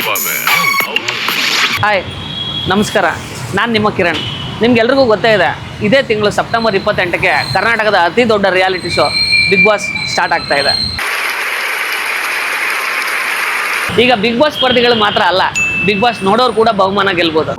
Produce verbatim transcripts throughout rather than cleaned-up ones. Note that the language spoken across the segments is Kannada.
ಹಾಯ್ ನಮಸ್ಕಾರ, ನಾನು ನಿಮ್ಮ ಕಿರಣ್. ನಿಮ್ಗೆಲ್ರಿಗೂ ಗೊತ್ತೇ ಇದೆ, ಇದೇ ತಿಂಗಳು ಸೆಪ್ಟೆಂಬರ್ ಇಪ್ಪತ್ತೆಂಟಕ್ಕೆ ಕರ್ನಾಟಕದ ಅತಿ ದೊಡ್ಡ reality show Bigg Boss start ಆಗ್ತಾ ಇದೆ. ಈಗ ಬಿಗ್ ಬಾಸ್ ಸ್ಪರ್ಧಿಗಳು ಮಾತ್ರ ಅಲ್ಲ, ಬಿಗ್ ಬಾಸ್ ನೋಡೋರು ಕೂಡ ಬಹುಮಾನ ಗೆಲ್ಬಹುದು.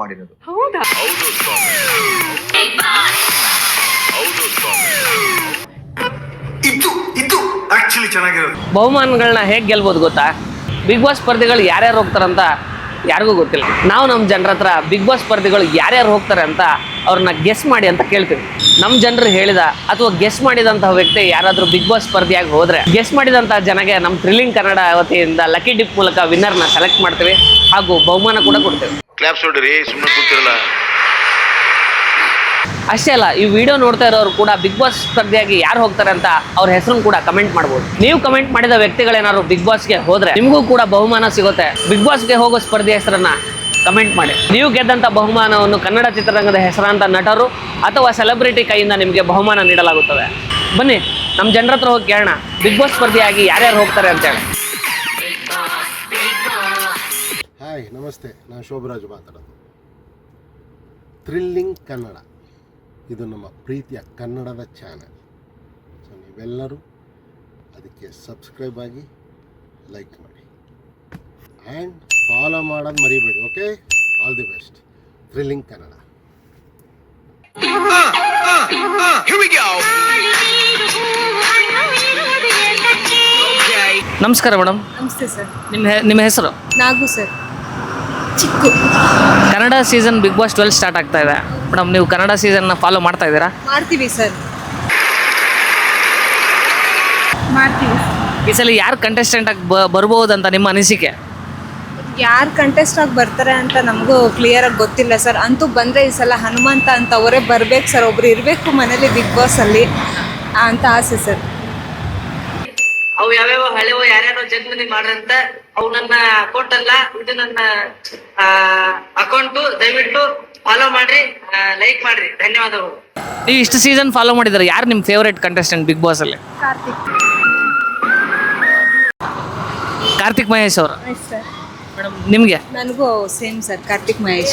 ಬಹುಮಾನಗಳನ್ನ ಹೇಗೆ ಗೆಲ್ಬೋದು ಗೊತ್ತಾ? ಬಿಗ್ ಬಾಸ್ ಸ್ಪರ್ಧಿಗಳು ಯಾರ್ಯಾರು ಹೋಗ್ತಾರಂತ ಯಾರಿಗೂ ಗೊತ್ತಿಲ್ಲ. ನಾವು ನಮ್ಮ ಜನರ ಹತ್ರ ಬಿಗ್ ಬಾಸ್ ಸ್ಪರ್ಧಿಗಳು ಯಾರ್ಯಾರು ಹೋಗ್ತಾರೆ ಅಂತ ಅವ್ರನ್ನ ಗೆಸ್ ಮಾಡಿ ಅಂತ ಕೇಳ್ತೀವಿ. ನಮ್ಮ ಜನರು ಹೇಳಿದ ಅಥವಾ ಗೆಸ್ ಮಾಡಿದಂತಹ ವ್ಯಕ್ತಿ ಯಾರಾದರೂ ಬಿಗ್ ಬಾಸ್ ಸ್ಪರ್ಧಿಯಾಗಿ ಹೋದ್ರೆ ಗೆಸ್ ಮಾಡಿದಂತಹ ಜನಗೆ ನಮ್ಮ ಥ್ರಿಲ್ಲಿಂಗ್ ಕನ್ನಡ ವತಿಯಿಂದ ಲಕ್ಕಿ ಡಿಪ್ ಮೂಲಕ ವಿನ್ನರ್ನ ಸೆಲೆಕ್ಟ್ ಮಾಡ್ತೀವಿ ಹಾಗೂ ಬಹುಮಾನ ಕೂಡ ಕೊಡ್ತೀವಿ. ಕ್ಲಾಪ್ಸ್ ಹೊಡ್ರಿ, ಸುಮ್ಮನೆ ಕೂತಿರಲ್ಲ. ಅಷ್ಟೇ ಅಲ್ಲ, ಈ ವಿಡಿಯೋ ನೋಡ್ತಾ ಇರೋರು ಕೂಡ ಬಿಗ್ ಬಾಸ್ ಸ್ಪರ್ಧಿಯಾಗಿ ಯಾರು ಹೋಗ್ತಾರೆ ಅಂತ ಅವ್ರ ಹೆಸರನ್ನು ಕೂಡ ಕಮೆಂಟ್ ಮಾಡ್ಬೋದು. ನೀವು ಕಮೆಂಟ್ ಮಾಡಿದ ವ್ಯಕ್ತಿಗಳೇನಾದ್ರು ಬಿಗ್ ಬಾಸ್ಗೆ ಹೋದ್ರೆ ನಿಮಗೂ ಕೂಡ ಬಹುಮಾನ ಸಿಗುತ್ತೆ. ಬಿಗ್ ಬಾಸ್ಗೆ ಹೋಗೋ ಸ್ಪರ್ಧಿ ಹೆಸರನ್ನ ಕಮೆಂಟ್ ಮಾಡಿ. ನೀವು ಗೆದ್ದಂಥ ಬಹುಮಾನವನ್ನು ಕನ್ನಡ ಚಿತ್ರರಂಗದ ಹೆಸರಾಂತ ನಟರು ಅಥವಾ ಸೆಲೆಬ್ರಿಟಿ ಕೈಯಿಂದ ನಿಮಗೆ ಬಹುಮಾನ ನೀಡಲಾಗುತ್ತದೆ. ಬನ್ನಿ ನಮ್ಮ ಜನರ ಹತ್ರ ಹೋಗಿ ಕೇಳೋಣ, ಬಿಗ್ ಬಾಸ್ ಸ್ಪರ್ಧಿಯಾಗಿ ಯಾರ್ಯಾರು ಹೋಗ್ತಾರೆ ಅಂತೇಳಿ. ಹಾಯ್, ನಮಸ್ತೆ. ನಾನು ಶೋಭರಾಜ್ ಮಾತಾಡೋದು. ಥ್ರಿಲ್ಲಿಂಗ್ ಕನ್ನಡ ಇದು ನಮ್ಮ ಪ್ರೀತಿಯ ಕನ್ನಡದ ಚಾನಲ್. ಸೊ ನೀವೆಲ್ಲರೂ ಅದಕ್ಕೆ ಸಬ್ಸ್ಕ್ರೈಬ್ ಆಗಿ, ಲೈಕ್ ಮಾಡಿ ಆ್ಯಂಡ್ ಫಾಲೋ ಮಾಡೋದು ಮರಿಬೇಡಿ. Okay, all the best. Thrilling Kannada. ನಮಸ್ಕಾರ ಮೇಡಮ್. ನಮಸ್ತೆ ಸರ್. ನಿಮ್ಮ ನಿಮ್ಮ ಹೆಸರು? Nagu sir. Chikku. Kannada season Bigg Boss twelve start ಆಗ್ತಾ ಇದೆ ಮೇಡಮ್. ನೀವು ಕನ್ನಡ ಸೀಸನ್ನ ಫಾಲೋ ಮಾಡ್ತಾ ಇದ್ದೀರಾ? ಮಾಡ್ತೀವಿ ಸರ್, ಮಾಡ್ತೀವಿ. ಈ ಸಲ ಯಾರು ಕಂಟೆಸ್ಟೆಂಟ್ ಆಗಿ ಬ ಬರ್ಬೋದು ಅಂತ ನಿಮ್ಮ ಅನಿಸಿಕೆ? ಯಾರು ಕಂಟೆಸ್ಟ್ ಆಗಿ ಬರ್ತಾರೆ ಅಂತ ನಮಗೂ ಕ್ಲಿಯರ್ ಆಗಿ ಗೊತ್ತಿಲ್ಲ ಸರ್. ಅಂತೂ ಬಂದರೆ ಈ ಸಲ ಹನುಮಂತ ಅಂತ ಅವರೇ ಬರ್ಬೇಕು ಸರ್. ಒಬ್ರು ಇರಬೇಕು ಮನೇಲಿ ಬಿಗ್ ಬಾಸಲ್ಲಿ ಅಂತ ಆಸೆ ಸರ್. ಅವು ಯಾವ್ಯಾವ ಹಳೆವು ಯಾರ್ಯಾರೋ ಜನ್ಮದಿ ಮಾಡ್ರಂತ ಅವು ನನ್ನ ಅಕೌಂಟ್ ಅಲ್ಲ, ಇದು ನನ್ನ ಅಕೌಂಟು. ದಯವಿಟ್ಟು ಫಾಲೋ ಮಾಡ್ರಿ, ಲೈಕ್ ಮಾಡ್ರಿ. ಧನ್ಯವಾದಗಳು. ನೀವು ಇಷ್ಟು ಸೀಸನ್ ಫಾಲೋ ಮಾಡಿದ್ರೆ ಯಾರು ನಿಮ್ಮ ಫೇವರೇಟ್ ಕಂಟೆಸ್ಟೆಂಟ್ ಬಿಗ್ ಬಾಸ್ ಅಲ್ಲಿ? ಕಾರ್ತಿಕ್. ಕಾರ್ತಿಕ್ ಮಹೇಶ್ ಅವರು. ಸರ್ ಮೇಡಮ್ ನಿಮಗೆ? ನನಗೂ same sir, Karthik Mahesh.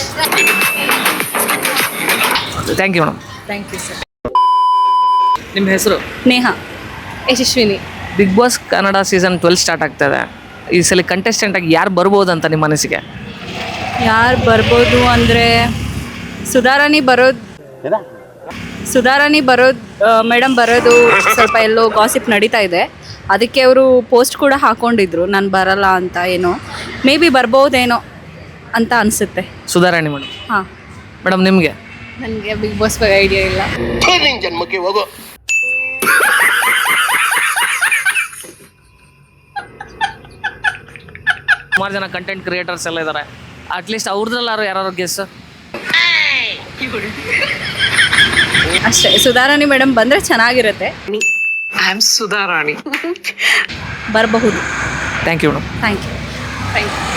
Thank you madam. Thank you sir. ನಿಮ್ಮ ಹೆಸರು? Neha. Yashaswini. Bigg Boss Kannada season twelve start ಆಗ್ತದೆ. ಈ ಸಲ ಕಂಟೆಸ್ಟೆಂಟ್ ಆಗಿ ಯಾರು ಬರ್ಬೋದು ಅಂತ ನಿಮ್ಮ ಅನಿಸಿಕೆ? ಯಾರು ಬರ್ಬೋದು ಅಂದರೆ ಸುಧಾರಾಣಿ ಬರೋದು ಸುಧಾರಾಣಿ ಬರೋದು ಮೇಡಮ್ ಬರೋದು ಸ್ವಲ್ಪ ಎಲ್ಲೋ ಗಾಸಿಪ್ ನಡೀತಾ ಇದೆ. ಅದಕ್ಕೆ ಅವರು ಪೋಸ್ಟ್ ಕೂಡ ಹಾಕ್ಕೊಂಡಿದ್ರು ನಾನು ಬರಲ್ಲ ಅಂತ. ಏನೋ ಮೇ ಬಿ ಬರ್ಬೋದೇನೋ ಅಂತ ಅನಿಸುತ್ತೆ. ಸುಧಾರಾಣಿ ಮೇಡಮ್. ಹಾಂ ಮೇಡಮ್ ನಿಮಗೆ? ನನಗೆ ಬಿಗ್ ಬಾಸ್ ಬಗ್ಗೆ ಐಡಿಯಾ ಇಲ್ಲ. ಜನ್ಮಕ್ಕೆ ಹೋಗೋ. ಸುಮಾರು ಜನ ಕಂಟೆಂಟ್ ಕ್ರಿಯೇಟರ್ಸ್ ಎಲ್ಲ ಇದ್ದಾರೆ. ಅಟ್ಲೀಸ್ಟ್ ಅವ್ರದ್ರಲ್ಲಾರು ಯಾರು ಗೆಸ್? ಅಷ್ಟೇ, ಸುಧಾರಾಣಿ ಮೇಡಮ್ ಬಂದರೆ ಚೆನ್ನಾಗಿರುತ್ತೆ. I am Sudharani. ಬರಬಹುದು. Thank you madam. Thank you. Thank you.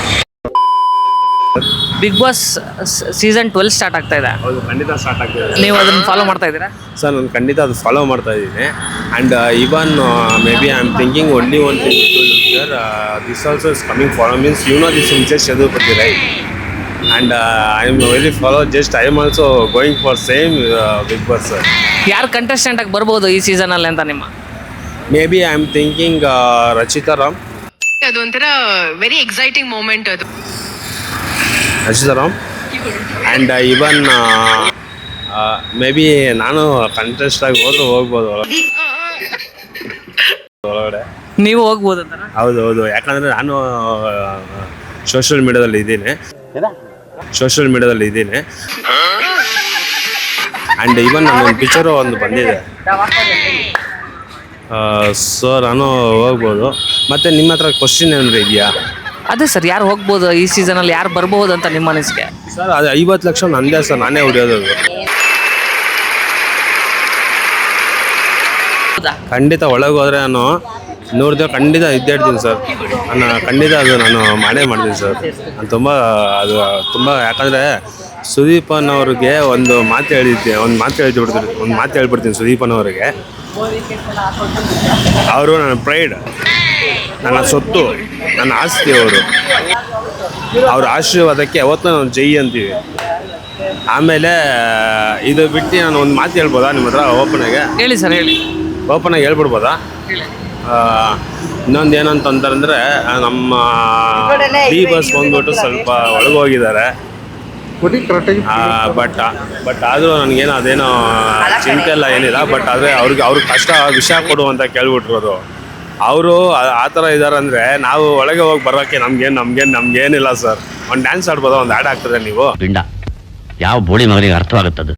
Bigg Boss season twelve start ಆಗ್ತಾ ಇದೆ. ಹೌದು, ಖಂಡಿತ ಸ್ಟಾರ್ಟ್ ಆಗ್ತಿದೆ. ನೀವು ಅದನ್ನು ಫಾಲೋ ಮಾಡ್ತಾ ಇದ್ದೀರಾ? ಸರ್ ನಾನು ಖಂಡಿತ ಅದು ಫಾಲೋ ಮಾಡ್ತಾ ಇದ್ದೀನಿ. And even maybe I am thinking only one thing sir, this also is coming follow means you know this Mrs Chadupati right. And I am very follow just I am also going for same Bigg Boss sir. ಯಾರು ಕಂಟೆಸ್ಟೆಂಟ್ ಆಗಿ ಬರ್ಬೋದು ಈ ಸೀಸನಲ್ಲಿ ಅಂತ ನಿಮ್ಮ? Maybe I am thinking Rachita Ram. ಅದು ಒಂಥರ ವೆರಿ ಎಕ್ಸೈಟಿಂಗ್ ಮೂಮೆಂಟ್ ಅದು. Rachita Ram and even maybe ನಾನು ಕಂಟೆಸ್ಟ್ ಆಗಿ ಹೋದ್ರೆ ಹೋಗ್ಬೋದು ಒಳಗಡೆ. ನೀವು ಹೋಗ್ಬೋದು ಅಂತ? ಹೌದು ಹೌದು, ಯಾಕಂದರೆ ನಾನು ಸೋಷಿಯಲ್ ಮೀಡಿಯಾದಲ್ಲಿ ಇದ್ದೀನಿ ಸೋಷಿಯಲ್ ಮೀಡಿಯಾದಲ್ಲಿ ಇದ್ದೀನಿ ಆ್ಯಂಡ್ ಈವನ್ ನನ್ನ ಪಿಕ್ಚರು ಒಂದು ಬಂದಿದೆ. ಸೊ ನಾನು ಹೋಗ್ಬೋದು. ಮತ್ತು ನಿಮ್ಮ ಹತ್ರ ಕ್ವಶನ್ ಏನಾದರೂ ಇದೆಯಾ? ಅದೇ ಸರ್, ಯಾರು ಹೋಗ್ಬೋದು ಈ ಸೀಸನಲ್ಲಿ, ಯಾರು ಬರ್ಬೋದು ಅಂತ ನಿಮ್ಮ ಅನಿಸಿಕೆ? ಸರ್ ಅದು ಐವತ್ತು ಲಕ್ಷ ನಂದೇ ಸರ್, ನಾನೇ ಹೊಡೆಯೋದು. ಖಂಡಿತ ಒಳಗೆ ಹೋದರೆ ನಾನು ನೂರು ದಿನ ಖಂಡಿತ ಇದ್ದೇ ಇರ್ತೀನಿ ಸರ್. ನಾನು ಖಂಡಿತ ಅದು ನಾನು ಮಾಡೇ ಮಾಡ್ತೀನಿ ಸರ್. ನಾನು ತುಂಬ ಅದು ತುಂಬ ಯಾಕಂದರೆ ಸುದೀಪನವ್ರಿಗೆ ಒಂದು ಮಾತು ಹೇಳಿದ್ದೆ ಒಂದು ಮಾತು ಹೇಳ್ಬಿಡ್ತೀನಿ ಒಂದು ಮಾತು ಹೇಳ್ಬಿಡ್ತೀನಿ ಸುದೀಪನವ್ರಿಗೆ. ಅವರು ನನ್ನ ಪ್ರೈಡ್. ನನ್ನ ಸೊತ್ತು, ನನ್ನ ಆಸ್ತಿ ಅವರು. ಅವ್ರ ಆಶೀರ್ವಾದಕ್ಕೆ ಯಾವತ್ತೂ ನಾವು ಜೈ ಅಂತೀವಿ. ಆಮೇಲೆ ಇದು ಬಿಟ್ಟು ನಾನು ಒಂದು ಮಾತು ಹೇಳ್ಬೋದಾ ನಿಮ್ಮ ಹತ್ರ ಓಪನಾಗೆ? ಹೇಳಿ ಸರ್, ಹೇಳಿ. ಓಪನಾಗಿ ಹೇಳ್ಬಿಡ್ಬೋದಾ? ಇನ್ನೊಂದು ಏನಂತಂದ್ರೆ ನಮ್ಮ ಡಿ ಬಸ್ ಬಂದ್ಬಿಟ್ಟು ಸ್ವಲ್ಪ ಒಳಗೋಗಿದ್ದಾರೆ. ಬಟ್ ಬಟ್ ಆದರೂ ನನಗೇನು ಅದೇನೋ ಚಿಂತೆ ಎಲ್ಲ ಏನಿಲ್ಲ. ಬಟ್ ಆದರೆ ಅವ್ರಿಗೆ ಅವ್ರಿಗೆ ಕಷ್ಟ ವಿಷಯ ಕೊಡು ಅಂತ ಕೇಳ್ಬಿಟ್ರೋದು. ಅವರು ಆ ಥರ ಇದ್ದಾರೆ ಅಂದರೆ ನಾವು ಒಳಗೆ ಹೋಗಿ ಬರೋಕ್ಕೆ ನಮ್ಗೇನು ನಮ್ಗೇನು ನಮ್ಗೇನಿಲ್ಲ ಸರ್. ಒಂದು ಡ್ಯಾನ್ಸ್ ಆಡ್ಬೋದಾ? ಒಂದು ಆ್ಯಡ್ ಆಗ್ತದೆ ನೀವು? ಪಿಂಡ ಯಾವ ಬೋಳಿ ಮಗನಿಗೆ ಅರ್ಥವಾಗುತ್ತದು?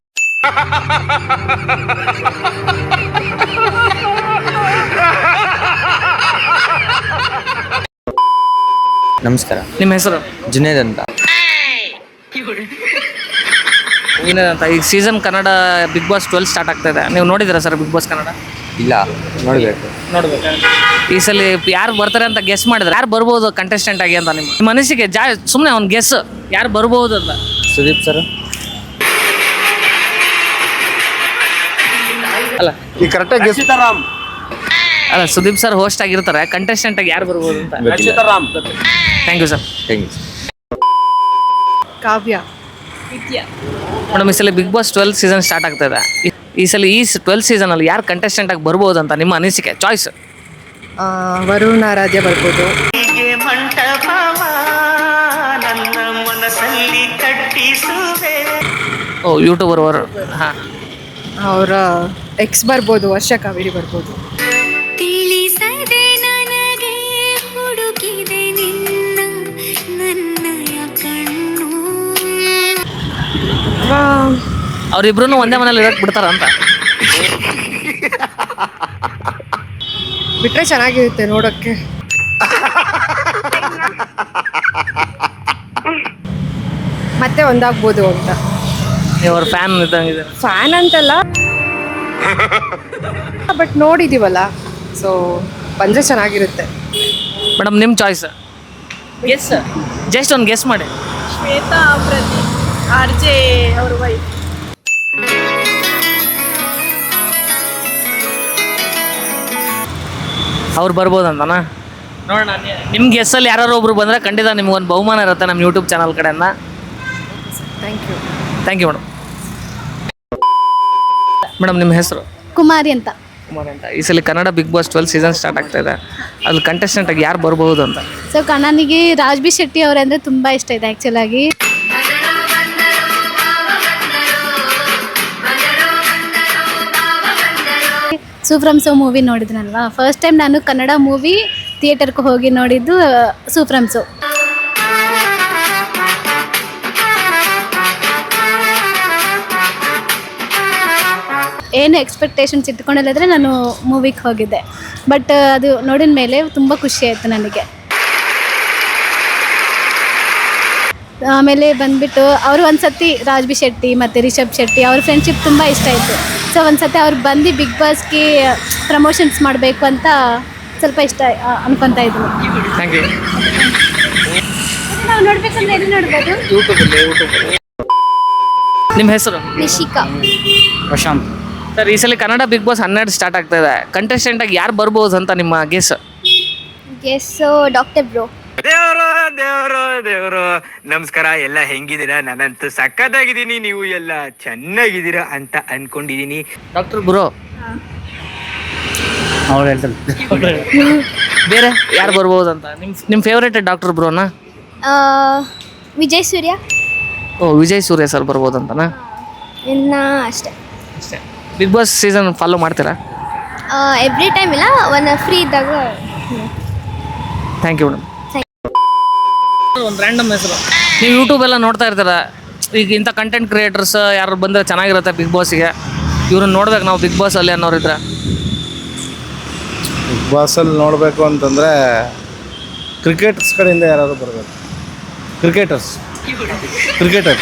ನಮಸ್ಕಾರ, ನಿಮ್ಮ ಹೆಸರು? ಜುನೇದ್ ಅಂತ. ಏನಂತ ಈಗ season Kannada Bigg Boss twelve start ಆಗ್ತಾ ಇದೆ. ನೀವು ನೋಡಿದ್ದೀರಾ ಸರ್ ಬಿಗ್ ಬಾಸ್ ಕನ್ನಡ? ಇಲ್ಲ, ನೋಡಬೇಕು. ನೋಡ್ಬೇಕು. ಈ ಸಲ ಯಾರು ಬರ್ತಾರೆ ಅಂತ ಗೆಸ್ ಮಾಡಿದ್ರೆ ಯಾರು ಬರ್ಬೋದು ಕಂಟೆಸ್ಟೆಂಟ್ ಆಗಿ ಅಂತ ನಿಮ್ಮ ನಿಮ್ಮ ಮನಸ್ಸಿಗೆ ಜಾ ಸುಮ್ಮನೆ ಒಂದು ಗೆಸ್ ಯಾರು ಬರ್ಬೋದು ಅಂತ? ಸುದೀಪ್ ಸರ್. ಅಲ್ಲ ಈ ಕರೆಕ್ಟಾಗಿ ಗೆಸ್. ಅಲ್ಲ ಸುದೀಪ್ ಸರ್ ಹೋಸ್ಟ್ ಆಗಿರ್ತಾರೆ, ಕಂಟೆಸ್ಟೆಂಟ್ ಆಗಿ ಯಾರು ಬರ್ಬೋದು ಅಂತ? Thank you sir. Thank you. Kavya. Madam, ಈ ಸಲ Bigg Boss twelve season start ಆಗ್ತಾ ಇದೆ. ಈ- ಈ ಸಲ ಈ ಟ್ವೆಲ್ ಸೀಸನಲ್ಲಿ ಯಾರು ಕಂಟೆಸ್ಟೆಂಟ್ ಆಗಿ ಬರ್ಬೋದು ಅಂತ ನಿಮ್ಮ ಅನಿಸಿಕೆ? ಚಾಯ್ಸ್. ವರುಣ ಆರಾಧ್ಯ ಬರ್ಬೋದು. ಓ, ಯೂಟ್ಯೂಬರ್ ಅವರು. ಹಾಂ, ಅವರ ಎಕ್ಸ್ ಬರ್ಬೋದು, ವರ್ಷ ಕಾವೇರಿ ಬರ್ಬೋದು. ತಿಳಿಸದೆ ನನಗೆ ಹುಡುಕಿದೆ ನಿನ್ನ ನನ್ನಯ ಕಣ್ಣು. ಅವರಿಬ್ರು ಒಂದೇ ಮನೇಲಿ ಇರಕ್ಕೆ ಬಿಡ್ತಾರ ಅಂತ? ಬಿಟ್ರೆ ಚೆನ್ನಾಗಿರುತ್ತೆ ನೋಡೋಕ್ಕೆ. ಮತ್ತೆ ಒಂದಾಗ್ಬೋದು ಅಂತ. ನೀವು ಅವ್ರ ಫ್ಯಾನ್ ಇದ್ದಂಗಿದೆ. ಫ್ಯಾನ್ ಅಂತಲ್ಲ, ಬಟ್ ನೋಡಿದೀವಲ್ಲ, ಸೊ ಬಂದರೆ ಚೆನ್ನಾಗಿರುತ್ತೆ. ಮೇಡಮ್, ನಿಮ್ಮ ಚಾಯ್ಸ್? ಗೆಸ್, ಜಸ್ಟ್ ಒಂದು ಗೆಸ್ ಮಾಡಿ. ಶ್ವೇತಾ ಪ್ರದೀಪ್, ಆರ್ ಜೆ ಅವ್ರ ವೈಫ್. ಅವ್ರು ಬರ್ಬೋದಂತನಾ? ನೋಡೋಣ. ನಿಮ್ಮ ಗೆಸ್ಸಲ್ಲಿ ಯಾರು ಒಬ್ರು ಬಂದರೆ ಖಂಡಿತ ನಿಮ್ಗೊಂದು ಬಹುಮಾನ ಇರುತ್ತೆ ನಮ್ಮ ಯೂಟ್ಯೂಬ್ ಚಾನಲ್ ಕಡೆಯಿಂದ. Thank you. Thank you madam. Madam, ನಿಮ್ಮ ಹೆಸರು? ಕುಮಾರಿ ಅಂತ. ಕುಮಾರ್ ಅಂತ. ಈ ಸಲ Kannada Bigg Boss twelve season start ಆಗ್ತಾ ಇದೆ. ಅಲ್ಲಿ ಕಂಟೆಸ್ಟೆಂಟ್ ಆಗಿ ಯಾರು ಬರ್ಬೋದು ಅಂತ? ಸೊ ಕಣ್ಣನಿಗೆ ರಾಜ್ ಬಿ ಶೆಟ್ಟಿ ಅವರಂದ್ರೆ ತುಂಬ ಇಷ್ಟ ಇದೆ ಆ್ಯಕ್ಚುಲಾಗಿ. ಸೂಫ್ರಮ್ ಸೋ ಮೂವಿ ನೋಡಿದ್ನಲ್ವಾ, ಫಸ್ಟ್ ಟೈಮ್ ನಾನು ಕನ್ನಡ ಮೂವಿ ಥಿಯೇಟರ್ಗೆ ಹೋಗಿ ನೋಡಿದ್ದು ಸೂಫ್ರಮ್ ಸೋ. ಏನು ಎಕ್ಸ್ಪೆಕ್ಟೇಷನ್ಸ್ ಇಟ್ಕೊಂಡಿಲ್ಲದ್ರೆ ನಾನು ಮೂವಿಗೆ ಹೋಗಿದ್ದೆ. ಬಟ್ ಅದು ನೋಡಿದ ಮೇಲೆ ತುಂಬ ಖುಷಿ ಆಯಿತು ನನಗೆ. ಆಮೇಲೆ ಬಂದುಬಿಟ್ಟು ಅವರು ಒಂದು ಸತಿ ರಾಜ್ ಬಿ ಶೆಟ್ಟಿ ಮತ್ತು ರಿಷಬ್ ಶೆಟ್ಟಿ ಅವ್ರ ಫ್ರೆಂಡ್ಶಿಪ್ ತುಂಬ ಇಷ್ಟ ಆಯಿತು. ಸೊ ಒಂದು ಸತಿ ಅವ್ರು ಬಂದು ಬಿಗ್ ಬಾಸ್ಗೆ ಪ್ರಮೋಷನ್ಸ್ ಮಾಡಬೇಕು ಅಂತ ಸ್ವಲ್ಪ ಇಷ್ಟ ಅನ್ಕೊತಾ ಇದ್ರು. Thank you. ನಾವು ನೋಡ್ಬೇಕಂದ್ರೆ ಎಲ್ಲಿ ನೋಡ್ಬೋದು? ಯೂಟ್ಯೂಬಲ್ಲಿ ಯೂಟ್ಯೂಬ್ ನಿಮ್ಮ ಹೆಸರು? ನಿಶಿಕಾ. ಪ್ರಶಾಂತ್. ಸರ್, ಈ ಸಲ ಕನ್ನಡ ಬಿಗ್ ಬಾಸ್ ಹನ್ನೆರಡು ಸ್ಟಾರ್ಟ್ ಆಗ್ತಾ ಇದೆ. ಕಂಟೆಸ್ಟೆಂಟ್ ಆಗಿ ಯಾರು ಬರ್ಬೋದು ಅಂತ ನಿಮ್ಮ ಗೆಸ್? Guess doctor bro. ದೇವರು ದೇವರು ದೇವರು ನಮಸ್ಕಾರ. ಎಲ್ಲ ಹೆಂಗಿದ್ದೀರಾ? ನಾನಂತೂ ಸಕ್ಕತ್ತಾಗಿದ್ದೀನಿ, ನೀವು ಎಲ್ಲ ಚೆನ್ನಾಗಿದ್ದೀರಾ ಅಂತ ಅನ್ಕೊಂಡಿದ್ದೀನಿ. Doctor bro. ಅವ್ರು ಹೇಳ್ತಾರೆ. ಬೇರೆ ಯಾರು ಬರ್ಬೋದು ಅಂತ ನಿಮ್ಮ ನಿಮ್ಮ ಫೇವ್ರೇಟ್ ಡಾಕ್ಟರ್ ಬ್ರೋನಾ? ವಿಜಯ್ ಸೂರ್ಯ. ಓ, ವಿಜಯ್ ಸೂರ್ಯ ಸರ್ ಬರ್ಬೋದು ಅಂತನಾ? ಇನ್ನು ಅಷ್ಟೇ. ಅಷ್ಟೇ. ಬಿಗ್ ಬಾಸ್ ಸೀಸನ್ ಫಾಲೋ ಮಾಡ್ತೀರಾ? ಎವ್ರಿ ಟೈಮ್ ಇಲ್ಲ, ಒಂದು ಫ್ರೀ ಇದ್ದಾಗ. Thank you madam. ಒಂದು ರ್ಯಾಂಡಮ್ ಹೆಸರು. ನೀವು ಯೂಟ್ಯೂಬ್ ಎಲ್ಲ ನೋಡ್ತಾ ಇರ್ತೀರ, ಈಗ ಇಂಥ ಕಂಟೆಂಟ್ ಕ್ರಿಯೇಟರ್ಸ್ ಯಾರು ಬಂದರೆ ಚೆನ್ನಾಗಿರುತ್ತೆ ಬಿಗ್ ಬಾಸಿಗೆ, ಇವ್ರನ್ನ ನೋಡ್ಬೇಕು ನಾವು ಬಿಗ್ ಬಾಸಲ್ಲಿ ಅನ್ನೋರಿದ್ರೆ? ಬಿಗ್ ಬಾಸಲ್ಲಿ ನೋಡಬೇಕು ಅಂತಂದರೆ ಕ್ರಿಕೆಟರ್ಸ್ ಕಡೆಯಿಂದ ಯಾರಾದರೂ ಬರಬೇಕು. ಕ್ರಿಕೆಟರ್ಸ್ ಕ್ರಿಕೆಟರ್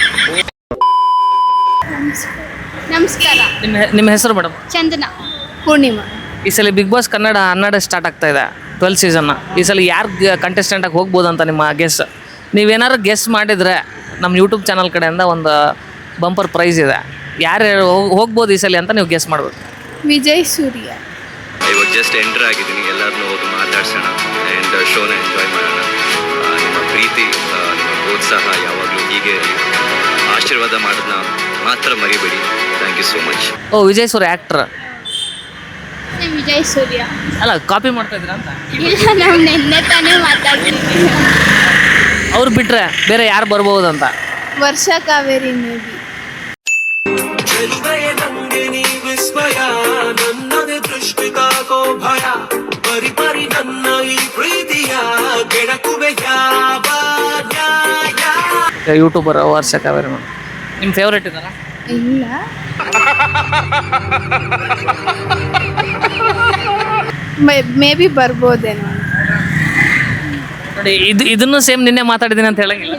ನಮಸ್ಕಾರ. ನಿಮ್ಮ ನಿಮ್ಮ ಹೆಸರು ಮೇಡಮ್? ಚಂದನ. ಪೂರ್ಣಿಮಾ. ಈ ಸಲ ಬಿಗ್ ಬಾಸ್ ಕನ್ನಡ ಹನ್ನೆರಡು ಸ್ಟಾರ್ಟ್ ಆಗ್ತಾ ಇದೆ, ಟ್ವೆಲ್ ಸೀಸನ್ನ. ಈ ಸಲ ಯಾರು ಕಂಟೆಸ್ಟೆಂಟಾಗಿ ಹೋಗ್ಬೋದು ಅಂತ ನಿಮ್ಮ ಗೆಸ್? ನೀವೇನಾದ್ರು ಗೆಸ್ ಮಾಡಿದರೆ ನಮ್ಮ ಯೂಟ್ಯೂಬ್ ಚಾನಲ್ ಕಡೆಯಿಂದ ಒಂದು ಬಂಪರ್ ಪ್ರೈಸ್ ಇದೆ. ಯಾರು ಹೋಗ್ಬೋದು ಈ ಸಲ ಅಂತ ನೀವು ಗೆಸ್ ಮಾಡ್ಬೇಕು. ವಿಜಯ್ ಸೂರ್ಯ. ಇವಾಗ ಜಸ್ಟ್ ಎಂಟರ್ ಆಗಿದ್ದೀನಿ, ಎಲ್ಲರನ್ನೂ ಹೋಗಿ ಮಾತಾಡ್ಸೋಣ. ಆ್ಯಂಡ್ ಶೋನ ಎಂಜಾಯ್ ಮಾಡೋಣ. ಆ, ನಿಮ್ಮ ಪ್ರೀತಿ ಆ, ನಿಮ್ಮ ಪ್ರೋತ್ಸಾಹ ಯಾವಾಗಲೂ ಹೀಗೆ ಇರಲಿ. ಆಶೀರ್ವಾದ ಮಾಡೋದನ್ನ ಮಾತ್ರ ಮರಿಬೇಡಿ. Thank you so much. ಓ ವಿಜಯ್ ಸೂರ್ಯ ಆ್ಯಕ್ಟ್ರ್ ವಿಜಯ್ ಸೂರ್ಯ ಅಲ್ಲ ಕಾಪಿ ಮಾಡ್ತಾ ಇದ್ದೀರಾ ಅಂತ. ಇಲ್ಲ, ನಾವು ನಿನ್ನೆ ತಾನೇ ಮಾತಾಡ್ತಿದ್ವಿ. ಅವ್ರು ಬಿಟ್ರೆ ಬೇರೆ ಯಾರು ಬರ್ಬೋದು ಅಂತ. ವರ್ಷ ಕಾವೇರಿ ಮೇ ಬಿ. ಯೂಟ್ಯೂಬರ್ ವರ್ಷ ಕಾವೇರಿ ಮೇಡಮ್ ನಿಮ್ಮ ಫೇವ್ರೇಟ್ ಇದ್ದಾರಾ? ಇಲ್ಲ, ಮೇ ಬಿ ಬರ್ಬೋದೇನೋ. ನೋಡಿ ಇದು ಇದನ್ನು ಸೇಮ್ ನಿನ್ನೆ ಮಾತಾಡಿದ್ದೀನಿ ಅಂತ ಹೇಳಂಗಿಲ್ಲ.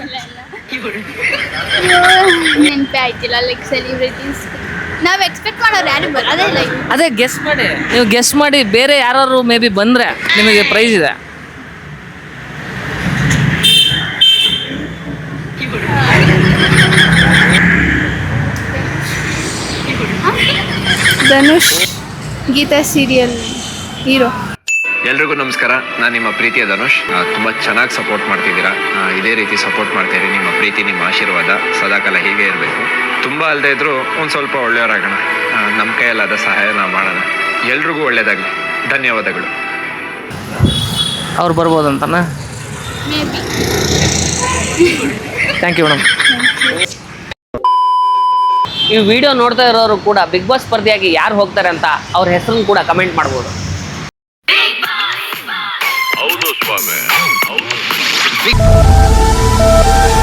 ನೆನಪೇ ಆಯ್ತಿಲ್ಲ. ಲೈಕ್ ಸೆಲಿಬ್ರಿಟೀಸ್ ನಾವು ಎಕ್ಸ್ಪೆಕ್ಟ್ ಮಾಡೋರು ಯಾರು ಬರೋದೇ ಇಲ್ಲ. ಅದೇ ಗೆಸ್ ಮಾಡಿ, ನೀವು ಗೆಸ್ ಮಾಡಿ ಬೇರೆ ಯಾರು ಮೇ ಬಿ ಬಂದರೆ ನಿಮಗೆ ಪ್ರೈಸ್ ಇದೆ. Dhanush Geetha serial hero. ಎಲ್ರಿಗೂ ನಮಸ್ಕಾರ. ನಾನು ನಿಮ್ಮ ಪ್ರೀತಿಯ ಧನುಷ್. ತುಂಬ ಚೆನ್ನಾಗಿ ಸಪೋರ್ಟ್ ಮಾಡ್ತಿದ್ದೀರಾ. ಆ, ಇದೇ ರೀತಿ ಸಪೋರ್ಟ್ ಮಾಡ್ತೀರಿ. ನಿಮ್ಮ ಪ್ರೀತಿ, ನಿಮ್ಮ ಆಶೀರ್ವಾದ ಸದಾಕಾಲ ಹೀಗೆ ಇರಬೇಕು. ತುಂಬ ಅಲ್ಲದೆ ಇದ್ರೂ ಒಂದು ಸ್ವಲ್ಪ ಒಳ್ಳೆಯವರಾಗೋಣ. ನಮ್ಮ ಕೈಯಲ್ಲಾದ ಸಹಾಯ ನಾವು ಮಾಡೋಣ. ಎಲ್ರಿಗೂ ಒಳ್ಳೆಯದಾಗಲಿ. ಧನ್ಯವಾದಗಳು. ಅವ್ರು ಬರ್ಬೋದಂತನ? Maybe. Thank you madam. ಈ ವಿಡಿಯೋ ನೋಡ್ತಾ ಇರೋರು ಕೂಡ ಬಿಗ್ ಬಾಸ್ ಸ್ಪರ್ಧೆಯಾಗಿ ಯಾರು ಹೋಗ್ತಾರೆ ಅಂತ ಅವ್ರ ಹೆಸರನ್ನು ಕೂಡ ಕಮೆಂಟ್ ಮಾಡ್ಬೋದು. ಹೌದು ಸ್ವಾಮಿ.